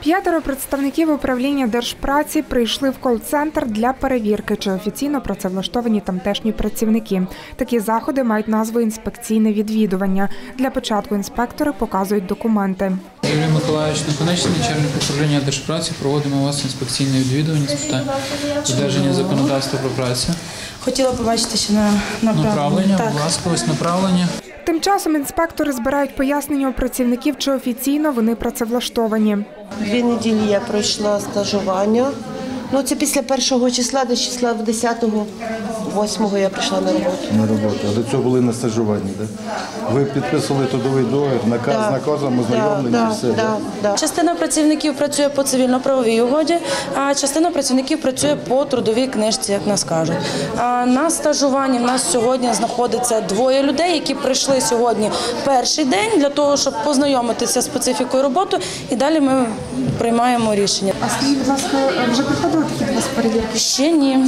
5 представників управління Держпраці прийшли в кол-центр для перевірки, чи офіційно працевлаштовані тамтешні працівники. Такі заходи мають назву «інспекційне відвідування». Для початку інспектори показують документи. Юрій Миколаївич Наконечний, начальник управління Держпраці, проводимо у вас інспекційне відвідування з питань додержання законодавства про працю. Хотіла побачити ще на направлення. Будь ласка, ось направлення. Тим часом інспектори збирають пояснення у працівників, чи офіційно вони працевлаштовані. 2 неділі я пройшла стажування. Це після 1 числа, до числа 10-го, 8-го я прийшла на роботу. На роботу. А до цього були на стажуванні, так? Ви підписували трудовий договір, наказ з наказом, ознайомлені і все, так? Частина працівників працює по цивільно-правовій угоді, а частина працівників працює по трудовій книжці, як нас кажуть. На стажуванні в нас сьогодні знаходиться 2 людей, які прийшли сьогодні перший день для того, щоб познайомитися з специфікою роботи, і далі ми приймаємо рішення. А скажіть, будь ласка, вже приходили такі до вас перевірки? Ще ні.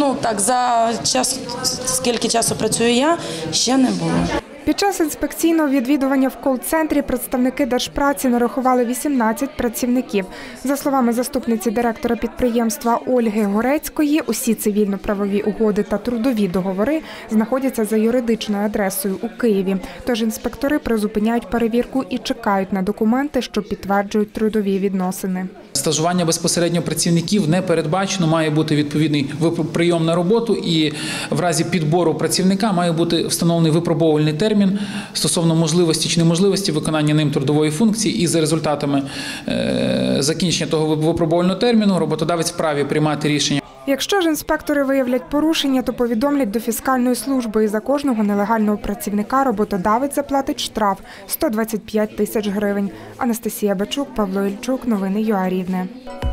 За час, скільки часу працюю я, ще не було. Під час інспекційного відвідування в кол-центрі представники Держпраці нарахували 18 працівників. За словами заступниці директора підприємства Ольги Горецької, усі цивільно-правові угоди та трудові договори знаходяться за юридичною адресою у Києві. Тож інспектори призупиняють перевірку і чекають на документи, що підтверджують трудові відносини. Стажування безпосередньо працівників не передбачено, має бути відповідний прийом на роботу, і в разі підбору працівника має бути встановлений випробовувальний термін стосовно можливості чи неможливості виконання ним трудової функції, і за результатами закінчення того випробовувального терміну роботодавець вправі приймати рішення. Якщо ж інспектори виявлять порушення, то повідомлять до фіскальної служби, і за кожного нелегального працівника роботодавець заплатить штраф – 125 тисяч гривень. Анастасія Бачук, Павло Ільчук. Новини ЮА Рівне.